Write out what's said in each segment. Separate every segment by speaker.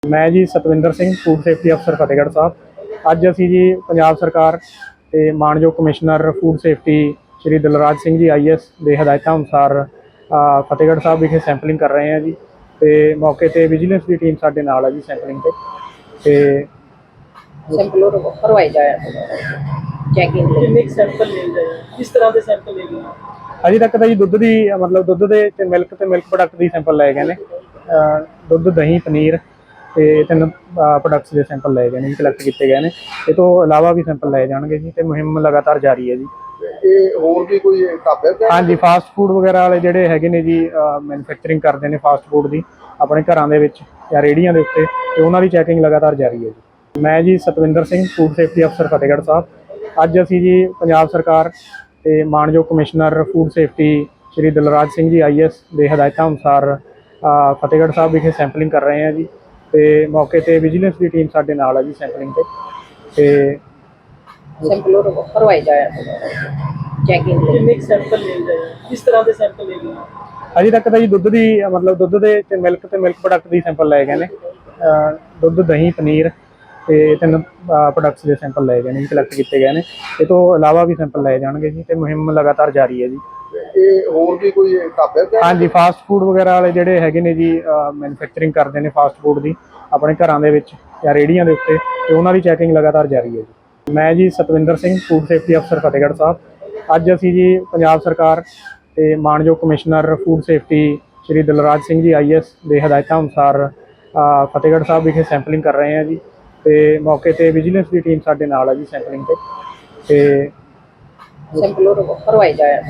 Speaker 1: ਮੈਂ ਜੀ Satwinder Singh, food safety ਅਫਸਰ ਫਤਿਹਗੜ੍ਹ ਸਾਹਿਬ। ਅੱਜ ਅਸੀਂ ਜੀ ਪੰਜਾਬ ਸਰਕਾਰ ਤੇ ਮਾਨਯੋਗ commissioner food safety Shri Dilraj Singh ji IAS ਦੇ ਹਦਾਇਤਾਂ ਅਨੁਸਾਰ ਫਤਿਹਗੜ੍ਹ ਸਾਹਿਬ ਵਿਖੇ ਸੈਂਪਲਿੰਗ ਕਰ ਰਹੇ ਹਾਂ ਜੀ। ਤੇ ਮੌਕੇ ਤੇ ਵਿਜੀਲੈਂਸ ਦੀ ਟੀਮ ਸਾਡੇ ਨਾਲ ਹੈ ਜੀ ਸੈਂਪਲਿੰਗ ਤੇ
Speaker 2: ਸੈਂਪਲ ਭਰਵਾਏ ਜਾਏ ਚੈਕਿੰਗ ਲਈ।
Speaker 3: ਕਿੰਨੇ ਸੈਂਪਲ ਲੈ ਗਏ, ਕਿਸ ਤਰ੍ਹਾਂ ਦੇ ਸੈਂਪਲ ਲੈ ਗਏ?
Speaker 1: ਅਜੇ ਤੱਕ ਤਾਂ ਜੀ ਦੁੱਧ ਦੁੱਧ ਦੇ ਤੇ ਮਿਲਕ ਪ੍ਰੋਡਕਟ ਦੀ ਸੈਂਪਲ ਲਏ ਗਏ ਨੇ। ਦੁੱਧ, ਦਹੀਂ, ਪਨੀਰ ਤੇ 3 ਪ੍ਰੋਡਕਟਸ ਦੇ ਸੈਂਪਲ ਲਏ ਗਏ ਨੇ ਜੀ, ਕਲੈਕਟ ਕੀਤੇ ਗਏ ਨੇ। ਇਹ ਤੋਂ ਇਲਾਵਾ ਵੀ ਸੈਂਪਲ ਲਏ ਜਾਣਗੇ ਜੀ ਤੇ ਮੁਹਿੰਮ ਲਗਾਤਾਰ ਜਾਰੀ ਹੈ ਜੀ।
Speaker 3: ਇਹ ਹੋਰ ਵੀ ਕੋਈ ਢਾਬੇ ਤੇ?
Speaker 1: ਹਾਂਜੀ, ਫਾਸਟ ਫੂਡ ਵਗੈਰਾ ਵਾਲੇ ਜਿਹੜੇ ਹੈਗੇ ਨੇ ਜੀ, ਮੈਨੂਫੈਕਚਰਿੰਗ ਕਰਦੇ ਨੇ ਫਾਸਟ ਫੂਡ ਦੀ ਆਪਣੇ ਘਰਾਂ ਦੇ ਵਿੱਚ ਜਾਂ ਰੇਹੜੀਆਂ ਦੇ ਉੱਤੇ, ਤੇ ਉਹਨਾਂ ਦੀ ਚੈਕਿੰਗ ਲਗਾਤਾਰ ਜਾਰੀ ਹੈ ਜੀ। ਮੈਂ ਜੀ ਸਤਵਿੰਦਰ ਸਿੰਘ, ਫੂਡ ਸੇਫਟੀ ਅਫਸਰ ਫਤਿਹਗੜ੍ਹ ਸਾਹਿਬ। ਅੱਜ ਅਸੀਂ ਜੀ ਪੰਜਾਬ ਸਰਕਾਰ ਤੇ ਮਾਨਯੋਗ commissioner food safety Shri Dilraj Singh ji IAS ਦੇ ਹਦਾਇਤਾਂ ਅਨੁਸਾਰ ਫਤਿਹਗੜ੍ਹ ਸਾਹਿਬ ਵਿਖੇ ਸੈਂਪਲਿੰਗ ਕਰ ਰਹੇ ਹਾਂ ਜੀ। ਤੇ ਮੌਕੇ ਤੇ ਵਿਜੀਲੈਂਸ ਦੀ ਟੀਮ ਸਾਡੇ ਨਾਲ ਹੈ ਜੀ ਸੈਂਪਲਿੰਗ ਤੇ
Speaker 2: ਸੈਂਪਲ ਭਰਵਾਏ ਜਾਏ ਚੈਕਿੰਗ ਲਈ।
Speaker 3: ਕਿੰਨੇ ਸੈਂਪਲ ਲੈ ਗਏ, ਕਿਸ ਤਰ੍ਹਾਂ ਦੇ ਸੈਂਪਲ ਲੈ ਗਏ?
Speaker 1: ਅਜੇ ਤੱਕ ਤਾਂ ਜੀ ਦੁੱਧ ਦੇ ਤੇ ਮਿਲਕ ਪ੍ਰੋਡਕਟ ਦੀ ਸੈਂਪਲ ਲਏ ਗਏ ਨੇ। ਦੁੱਧ, ਦਹੀਂ, ਪਨੀਰ ਤੇ 3 ਪ੍ਰੋਡਕਟਸ ਦੇ ਸੈਂਪਲ ਲਏ ਗਏ ਨੇ ਜੀ, ਕਲੈਕਟ ਕੀਤੇ ਗਏ ਨੇ। ਇਹ ਤੋਂ ਇਲਾਵਾ ਵੀ ਸੈਂਪਲ ਲਏ ਜਾਣਗੇ ਜੀ ਤੇ ਮੁਹਿੰਮ ਲਗਾਤਾਰ ਜਾਰੀ ਹੈ ਜੀ।
Speaker 3: ਇਹ ਹੋਰ ਵੀ ਕੋਈ ਢਾਬੇ ਤੇ?
Speaker 1: ਹਾਂਜੀ, ਫਾਸਟ ਫੂਡ ਵਗੈਰਾ ਵਾਲੇ ਜਿਹੜੇ ਹੈਗੇ ਨੇ ਜੀ, ਮੈਨੂਫੈਕਚਰਿੰਗ ਕਰਦੇ ਨੇ ਫਾਸਟ ਫੂਡ ਦੀ ਆਪਣੇ ਘਰਾਂ ਦੇ ਵਿੱਚ ਜਾਂ ਰੇਹੜੀਆਂ ਦੇ ਉੱਤੇ, ਤੇ ਉਹਨਾਂ ਦੀ ਚੈਕਿੰਗ ਲਗਾਤਾਰ ਜਾਰੀ ਹੈ ਜੀ। ਮੈਂ ਜੀ ਸਤਵਿੰਦਰ ਸਿੰਘ, ਫੂਡ ਸੇਫਟੀ ਅਫਸਰ ਫਤਿਹਗੜ੍ਹ ਸਾਹਿਬ। ਅੱਜ ਅਸੀਂ ਜੀ ਪੰਜਾਬ ਸਰਕਾਰ ਤੇ ਮਾਨਯੋਗ commissioner food safety Shri Dilraj Singh ji IAS ਦੇ ਹਦਾਇਤਾਂ ਅਨੁਸਾਰ ਫਤਿਹਗੜ੍ਹ ਸਾਹਿਬ ਵਿਖੇ ਸੈਂਪਲਿੰਗ ਕਰ ਰਹੇ ਹਾਂ ਜੀ। ਤੇ ਮੌਕੇ ਤੇ ਵਿਜੀਲੈਂਸ ਦੀ ਟੀਮ ਸਾਡੇ ਨਾਲ ਹੈ ਜੀ ਸੈਂਪਲਿੰਗ ਤੇ
Speaker 2: ਸੈਂਪਲ ਭਰਵਾਏ ਜਾਏ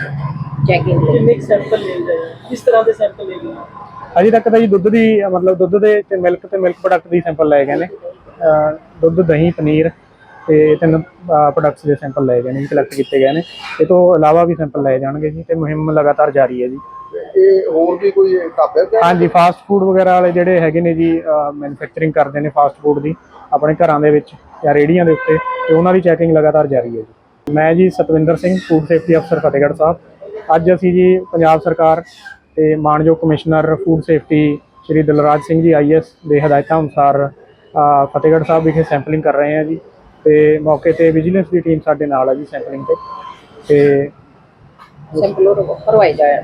Speaker 2: ਚੈਕਿੰਗ ਲਈ।
Speaker 3: ਕਿੰਨੇ ਸੈਂਪਲ ਲੈ ਗਏ, ਕਿਸ ਤਰ੍ਹਾਂ ਦੇ ਸੈਂਪਲ ਲੈ ਗਏ?
Speaker 1: ਅਜੇ ਤੱਕ ਤਾਂ ਜੀ ਦੁੱਧ ਦੇ ਤੇ ਮਿਲਕ ਪ੍ਰੋਡਕਟ ਦੀ ਸੈਂਪਲ ਲਏ ਗਏ ਨੇ। ਦੁੱਧ, ਦਹੀਂ, ਪਨੀਰ ਤੇ 3 ਪ੍ਰੋਡਕਟਸ ਦੇ ਸੈਂਪਲ ਲਏ ਗਏ ਨੇ ਜੀ, ਕਲੈਕਟ ਕੀਤੇ ਗਏ ਨੇ। ਇਹ ਤੋਂ ਇਲਾਵਾ ਵੀ ਸੈਂਪਲ ਲਏ ਜਾਣਗੇ ਜੀ ਤੇ ਮੁਹਿੰਮ ਲਗਾਤਾਰ ਜਾਰੀ ਹੈ ਜੀ।
Speaker 3: ਇਹ ਹੋਰ ਵੀ ਕੋਈ ਢਾਬੇ ਤੇ?
Speaker 1: ਹਾਂਜੀ, ਫਾਸਟ ਫੂਡ ਵਗੈਰਾ ਵਾਲੇ ਜਿਹੜੇ ਹੈਗੇ ਨੇ ਜੀ, ਮੈਨੂਫੈਕਚਰਿੰਗ ਕਰਦੇ ਨੇ ਫਾਸਟ ਫੂਡ ਦੀ ਆਪਣੇ ਘਰਾਂ ਦੇ ਵਿੱਚ ਜਾਂ ਰੇਹੜੀਆਂ ਦੇ ਉੱਤੇ, ਤੇ ਉਹਨਾਂ ਦੀ ਚੈਕਿੰਗ ਲਗਾਤਾਰ ਜਾਰੀ ਹੈ ਜੀ। ਮੈਂ ਜੀ ਸਤਵਿੰਦਰ ਸਿੰਘ, ਫੂਡ ਸੇਫਟੀ ਅਫਸਰ ਫਤਿਹਗੜ੍ਹ ਸਾਹਿਬ। ਅੱਜ ਅਸੀਂ ਜੀ ਪੰਜਾਬ ਸਰਕਾਰ ਤੇ ਮਾਨਯੋਗ commissioner food safety Shri Dilraj Singh ji IAS ਦੇ ਹਦਾਇਤਾਂ ਅਨੁਸਾਰ ਫਤਿਹਗੜ੍ਹ ਸਾਹਿਬ ਵਿਖੇ ਸੈਂਪਲਿੰਗ ਕਰ ਰਹੇ ਹਾਂ ਜੀ। ਤੇ ਮੌਕੇ ਤੇ ਵਿਜੀਲੈਂਸ ਦੀ ਟੀਮ ਸਾਡੇ ਨਾਲ ਹੈ ਜੀ ਸੈਂਪਲਿੰਗ ਤੇ
Speaker 2: ਸੈਂਪਲ ਭਰਵਾਏ ਜਾਏ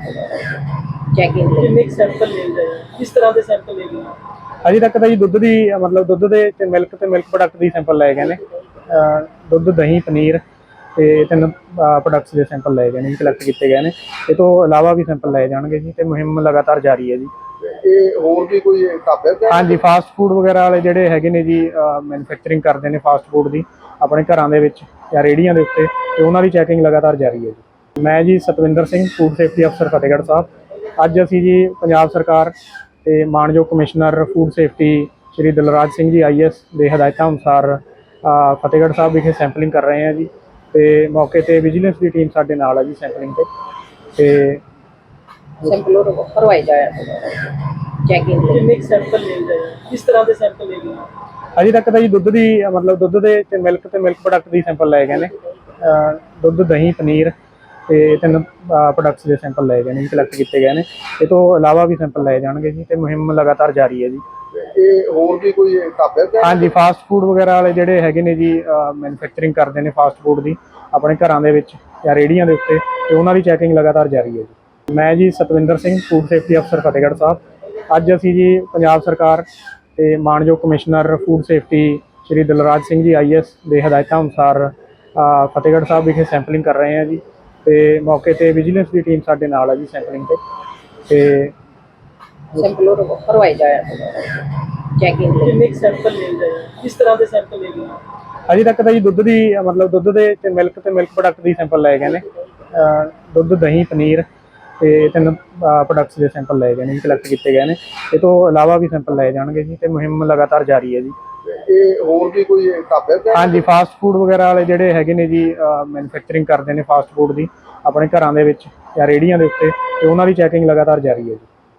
Speaker 2: ਚੈਕਿੰਗ ਲਈ।
Speaker 3: ਕਿੰਨੇ ਸੈਂਪਲ ਲੈ ਗਏ, ਕਿਸ ਤਰ੍ਹਾਂ ਦੇ ਸੈਂਪਲ ਲੈ ਗਏ?
Speaker 1: ਅਜੇ ਤੱਕ ਤਾਂ ਜੀ ਦੁੱਧ ਦੇ ਤੇ ਮਿਲਕ ਪ੍ਰੋਡਕਟ ਦੀ ਸੈਂਪਲ ਲਏ ਗਏ ਨੇ। ਦੁੱਧ, ਦਹੀਂ, ਪਨੀਰ ਤੇ 3 ਪ੍ਰੋਡਕਟਸ ਦੇ ਸੈਂਪਲ ਲਏ ਗਏ ਨੇ ਜੀ, ਕਲੈਕਟ ਕੀਤੇ ਗਏ ਨੇ। ਇਹ ਤੋਂ ਇਲਾਵਾ ਵੀ ਸੈਂਪਲ ਲਏ ਜਾਣਗੇ ਜੀ ਤੇ ਮੁਹਿੰਮ ਲਗਾਤਾਰ ਜਾਰੀ ਹੈ ਜੀ।
Speaker 3: ਇਹ ਹੋਰ ਵੀ ਕੋਈ ਢਾਬੇ ਤੇ?
Speaker 1: ਹਾਂਜੀ, ਫਾਸਟ ਫੂਡ ਵਗੈਰਾ ਵਾਲੇ ਜਿਹੜੇ ਹੈਗੇ ਨੇ ਜੀ, ਮੈਨੂਫੈਕਚਰਿੰਗ ਕਰਦੇ ਨੇ ਫਾਸਟ ਫੂਡ ਦੀ ਆਪਣੇ ਘਰਾਂ ਦੇ ਵਿੱਚ ਜਾਂ ਰੇਹੜੀਆਂ ਦੇ ਉੱਤੇ, ਤੇ ਉਹਨਾਂ ਦੀ ਚੈਕਿੰਗ ਲਗਾਤਾਰ ਜਾਰੀ ਹੈ ਜੀ। ਮੈਂ ਜੀ ਸਤਵਿੰਦਰ ਸਿੰਘ, ਫੂਡ ਸੇਫਟੀ ਅਫਸਰ ਫਤਿਹਗੜ੍ਹ ਸਾਹਿਬ। ਅੱਜ ਅਸੀਂ ਜੀ ਪੰਜਾਬ ਸਰਕਾਰ ਤੇ ਮਾਨਯੋਗ commissioner food safety Shri Dilraj Singh ji IAS ਦੇ ਹਦਾਇਤਾਂ ਅਨੁਸਾਰ ਫਤਿਹਗੜ੍ਹ ਸਾਹਿਬ ਵਿਖੇ ਸੈਂਪਲਿੰਗ ਕਰ ਰਹੇ ਹਾਂ ਜੀ। ਤੇ ਮੌਕੇ ਤੇ ਵਿਜੀਲੈਂਸ ਦੀ ਟੀਮ ਸਾਡੇ ਨਾਲ ਹੈ ਜੀ ਸੈਂਪਲਿੰਗ ਤੇ
Speaker 2: ਸੈਂਪਲ ਭਰਵਾਏ ਜਾਏ ਚੈਕਿੰਗ ਲਈ।
Speaker 3: ਕਿੰਨੇ ਸੈਂਪਲ ਲੈ ਗਏ, ਕਿਸ ਤਰ੍ਹਾਂ ਦੇ ਸੈਂਪਲ ਲੈ ਗਏ?
Speaker 1: ਅਜੇ ਤੱਕ ਤਾਂ ਜੀ ਦੁੱਧ ਦੇ ਤੇ ਮਿਲਕ ਪ੍ਰੋਡਕਟ ਦੀ ਸੈਂਪਲ ਲਏ ਗਏ ਨੇ। ਦੁੱਧ, ਦਹੀਂ, ਪਨੀਰ ਤੇ 3 ਪ੍ਰੋਡਕਟਸ ਦੇ ਸੈਂਪਲ ਲਏ ਗਏ ਨੇ ਜੀ, ਕਲੈਕਟ ਕੀਤੇ ਗਏ ਨੇ। ਇਹ ਤੋਂ ਇਲਾਵਾ ਵੀ ਸੈਂਪਲ ਲਏ ਜਾਣਗੇ ਜੀ ਤੇ ਮੁਹਿੰਮ ਲਗਾਤਾਰ ਜਾਰੀ ਹੈ ਜੀ।
Speaker 3: ਇਹ ਹੋਰ ਵੀ ਕੋਈ ਢਾਬੇ ਤੇ?
Speaker 1: ਹਾਂਜੀ, ਫਾਸਟ ਫੂਡ ਵਗੈਰਾ ਵਾਲੇ ਜਿਹੜੇ ਹੈਗੇ ਨੇ ਜੀ, ਮੈਨੂਫੈਕਚਰਿੰਗ ਕਰਦੇ ਨੇ ਫਾਸਟ ਫੂਡ ਦੀ ਆਪਣੇ ਘਰਾਂ ਦੇ ਵਿੱਚ ਜਾਂ ਰੇਹੜੀਆਂ ਦੇ ਉੱਤੇ, ਤੇ ਉਹਨਾਂ ਦੀ ਚੈਕਿੰਗ ਲਗਾਤਾਰ ਜਾਰੀ ਹੈ ਜੀ। ਮੈਂ ਜੀ ਸਤਵਿੰਦਰ ਸਿੰਘ, ਫੂਡ ਸੇਫਟੀ ਅਫਸਰ ਫਤਿਹਗੜ੍ਹ ਸਾਹਿਬ। ਅੱਜ ਅਸੀਂ ਜੀ ਪੰਜਾਬ ਸਰਕਾਰ ਤੇ ਮਾਨਯੋਗ commissioner food safety Shri Dilraj Singh ji IAS ਦੇ ਹਦਾਇਤਾਂ ਅਨੁਸਾਰ ਫਤਿਹਗੜ੍ਹ ਸਾਹਿਬ ਵਿਖੇ ਸੈਂਪਲਿੰਗ ਕਰ ਰਹੇ ਹਾਂ ਜੀ। ਤੇ ਮੌਕੇ ਤੇ ਵਿਜੀਲੈਂਸ ਦੀ ਟੀਮ ਸਾਡੇ ਨਾਲ ਹੈ ਜੀ ਸੈਂਪਲਿੰਗ ਤੇ
Speaker 2: ਸੈਂਪਲ ਭਰਵਾਏ ਜਾਏ ਚੈਕਿੰਗ ਲਈ।
Speaker 3: ਕਿੰਨੇ ਸੈਂਪਲ ਲੈ ਗਏ, ਕਿਸ ਤਰ੍ਹਾਂ ਦੇ ਸੈਂਪਲ ਲੈ ਗਏ?
Speaker 1: ਅਜੇ ਤੱਕ ਤਾਂ ਜੀ ਦੁੱਧ ਦੇ ਤੇ ਮਿਲਕ ਪ੍ਰੋਡਕਟ ਦੀ ਸੈਂਪਲ ਲਏ ਗਏ ਨੇ। ਦੁੱਧ, ਦਹੀਂ, ਪਨੀਰ ਤੇ 3 ਪ੍ਰੋਡਕਟਸ ਦੇ ਸੈਂਪਲ ਲਏ ਗਏ ਨੇ ਜੀ, ਕਲੈਕਟ ਕੀਤੇ ਗਏ ਨੇ। ਇਹ ਤੋਂ ਇਲਾਵਾ ਵੀ ਸੈਂਪਲ ਲਏ ਜਾਣਗੇ ਜੀ ਤੇ ਮੁਹਿੰਮ ਲਗਾਤਾਰ ਜਾਰੀ ਹੈ ਜੀ।
Speaker 3: ਇਹ ਹੋਰ ਵੀ ਕੋਈ ਢਾਬੇ ਤੇ?
Speaker 1: ਹਾਂਜੀ, ਫਾਸਟ ਫੂਡ ਵਗੈਰਾ ਵਾਲੇ ਜਿਹੜੇ ਹੈਗੇ ਨੇ ਜੀ, ਮੈਨੂਫੈਕਚਰਿੰਗ ਕਰਦੇ ਨੇ ਫਾਸਟ ਫੂਡ ਦੀ ਆਪਣੇ ਘਰਾਂ ਦੇ ਵਿੱਚ ਜਾਂ ਰੇਹੜੀਆਂ ਦੇ ਉੱਤੇ, ਤੇ ਉਹਨਾਂ ਦੀ ਚੈਕਿੰਗ ਲਗਾਤਾਰ ਜਾਰੀ ਹੈ ਜੀ।